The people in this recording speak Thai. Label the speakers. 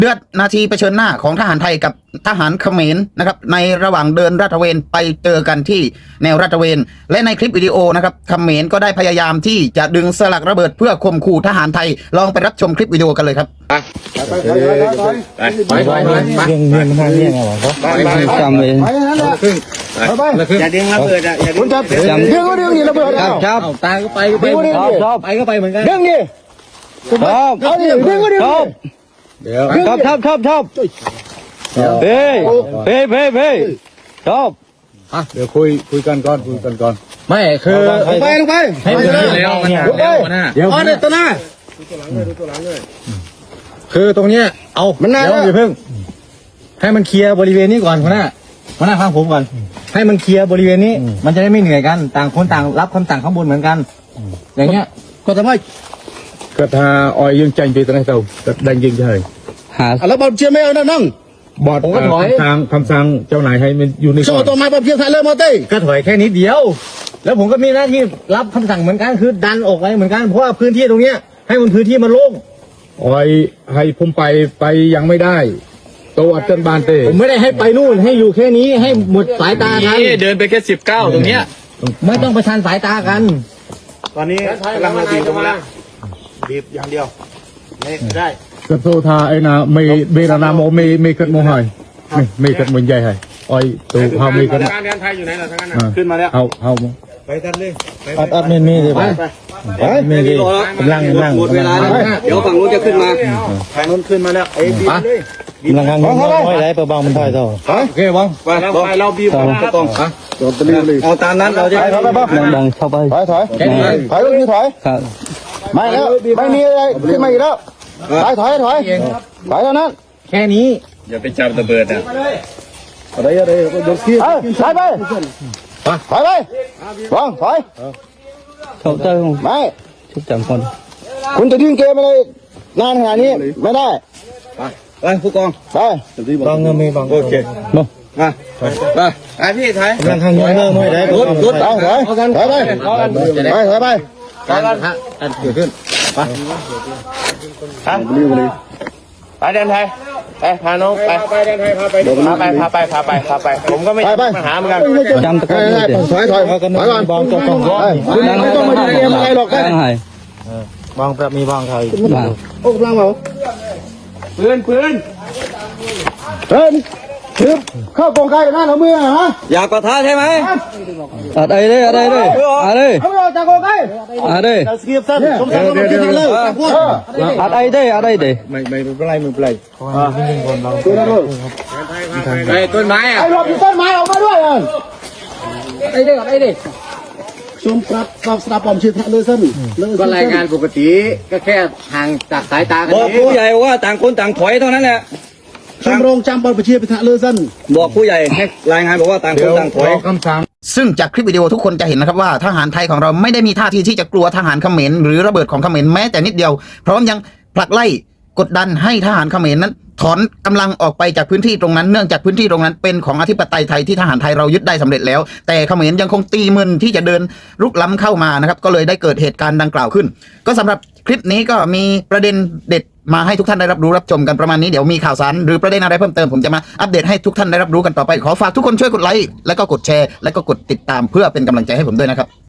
Speaker 1: เดือดนาทีเผชิญหน้าของทหารไทยกับทหารเขมรนะครับในระหว่างเดินลาดตระเวนไปเจอกันที่แนวลาดตระเวนและในคลิปวิดีโอนะครับเขมรก็ได้พยายามที่จะดึงสลักระเบิดเพื่อข่มขู่ทหารไทยลองไปรับชมคลิปวิดีโอกันเลยครับ
Speaker 2: จำเลย
Speaker 3: อย่าดึงระเบิดอ่ะอย่าดึง
Speaker 2: ดึงนี่ระเบิดครับ
Speaker 3: ตายก็ไปก็ไปชอบไปก็ไปเหมือนกัน
Speaker 2: ดึงนี่ครับเอาดิดึงก็ดึงครับเดี๋ยวครับเฮ้ยชอบ
Speaker 4: เดี๋ยวคุยกันก่อน
Speaker 3: ไม่คือ
Speaker 2: ลงไป
Speaker 3: ให้มันแล้วมันเดี๋ยวตัวหน้าคือตรงเนี้ยเอา
Speaker 2: มันน่า
Speaker 3: อย่าเพิ่งให้มันเคลียร์บริเวณนี้ก่อนคนหน้าฟังผมก่อนให้มันเคลียร์บริเวณนี้มันจะได้ไม่เหนื่อยกันต่างคนต่างรับคำสั่งข้างบนเหมือนกันอย่างเงี้ยก็ทำไม
Speaker 4: ก็ถ้าออยยังใจไปตรงไหนเต่าดังยิงเฉย
Speaker 2: แล้วบอลเชียร์ไม่เอานั่ง
Speaker 4: บอดคำสั่งเจ้านายให้มันอยู่ใน
Speaker 2: โซ่ตัวไม้บอลเชียร์ไทยเริ่มมาเต้
Speaker 3: ก็ถอยแค่นิดเดียวแล้วผมก็มีหน้าที่รับคำสั่งเหมือนกันคือดันออกไปเหมือนกันเพราะว่าพื้นที่ตรงเนี้ยให้มันพื้นที่มันโล่ง
Speaker 4: ออยให้ผมไปยังไม่ได้ตัวอัดจนบานเต้
Speaker 3: ผมไม่ได้ให้ไปนู่นให้อยู่แค่นี้ให้หมดสายตากัน
Speaker 5: เดินไปแค่19ตรงเนี้ย
Speaker 3: ไม่ต้องประชันสายตากัน
Speaker 2: ตอนนี้กำลังบีบตรงนั้นบีบอย่างเดียวไม่ได้
Speaker 4: กระโซทาไอ้นาไม่เบรนาโมไม่กัดโมหอยไม่กัดมันใหญ่ให้ออยตัวเฮาไม่กัด
Speaker 2: การเดินไทยอยู่ไหนล่ะทั้งนั้นขึ้นมาแล้ว
Speaker 4: เฮา
Speaker 2: ไปกันเลย
Speaker 3: อัดมีดิไปมีดิกำลัง
Speaker 2: เวลาเดี๋ยวฝั่งนู้นจะขึ้นมาฝั่งนู้นขึ้นมาแล้วไอ้บีบเลย
Speaker 3: กำลังไม่ได้ประบางมันถอยต่อ
Speaker 2: โอเคบ้างไปเราบีบก็ต้องเอาตามนั้นเราจะ
Speaker 3: ดังเข้าไป
Speaker 2: ถอยลูกนี้ถอยไม่แล้วไม่มีอะไรขึ้นมาอีกแล้วถอยแล้วนั้น
Speaker 3: แค่นี้
Speaker 5: อย่าไปจับระเบิดอ่ะ
Speaker 2: อะไรโดนขี้ถอยไปวางถอย
Speaker 3: เขาเจอ
Speaker 2: ไม่
Speaker 3: ชุบจำคน
Speaker 2: คุณจะดิ้นเกมอะไรนานขนาดนี้ไม่ได้
Speaker 3: ไปผู้กอง
Speaker 2: ไป
Speaker 3: บางเงินมีบาง
Speaker 2: โอเคไปพี่ถอย
Speaker 3: กำลังทางเงินไม่ได้
Speaker 2: รถเอาถอยไป
Speaker 3: การฮะอันเกิดขึ้นไป
Speaker 2: ไปเดินไทยไปพาน้องไปเดินไทยพาไปผมก็ไม่ปัญหาเหมือนกัน
Speaker 3: จำตะกอน
Speaker 2: ถอยก่อน
Speaker 3: บางต้อง
Speaker 2: คุณไม่ต้องมาดูเกมอะไรหรอก
Speaker 3: บางแบบมีบางไทย
Speaker 2: โอ้กำลังเหรอปืนคือเข้ากองไก่หน้าเราเมื่อฮะ
Speaker 3: อยากกระทะใช่ไหมอะไรเลยเอา
Speaker 2: จากกองไก่
Speaker 3: อะไร
Speaker 2: สกีฟสั้นสมศักดิ์ต้องกินเลย
Speaker 3: อะไรเด้
Speaker 4: ไม่เป็นไร
Speaker 5: ต้นไม้อ่ะ
Speaker 2: ไอ้หลบอยู่ต้นไม้ออกมาด้วย
Speaker 3: ไอ้เด้
Speaker 2: ชมครับสตาร์ปอมชื่อเลเซน
Speaker 3: ก็รายงานปกติก็แค่ห่างจากสายตากันบอกผู้ใหญ่ว่าต่างคนต่างถอยเท่านั้นแหละ
Speaker 2: ชมรมจำบอลประเชียร์พิธาเลเซน
Speaker 3: บอกผู้ใหญ่ให้รายงานบอกว่าต่างคนต่างถอย
Speaker 4: คำสั่ง
Speaker 1: ซึ่งจากคลิปวิดีโอทุกคนจะเห็นนะครับว่าทหารไทยของเราไม่ได้มีท่าทีที่จะกลัวทหารเขมรหรือระเบิดของเขมรแม้แต่นิดเดียวพร้อมยังผลักไล่กดดันให้ทหารเขมรนั้นถอนกำลังออกไปจากพื้นที่ตรงนั้นเนื่องจากพื้นที่ตรงนั้นเป็นของอธิปไตยไทยที่ทหารไทยเรายึดได้สำเร็จแล้วแต่เขมรยังคงตีมึนที่จะเดินรุกล้ำเข้ามานะครับก็เลยได้เกิดเหตุการณ์ดังกล่าวขึ้นก็สำหรับคลิปนี้ก็มีประเด็นเด็ดมาให้ทุกท่านได้รับรู้รับชมกันประมาณนี้เดี๋ยวมีข่าวสารหรือประเด็นอะไรเพิ่มเติมผมจะมาอัปเดตให้ทุกท่านได้รับรู้กันต่อไปขอฝากทุกคนช่วยกดไลค์แล้วก็กดแชร์แล้วก็กดติดตามเพื่อเป็นกำลังใจให้ผมด้วยนะครับ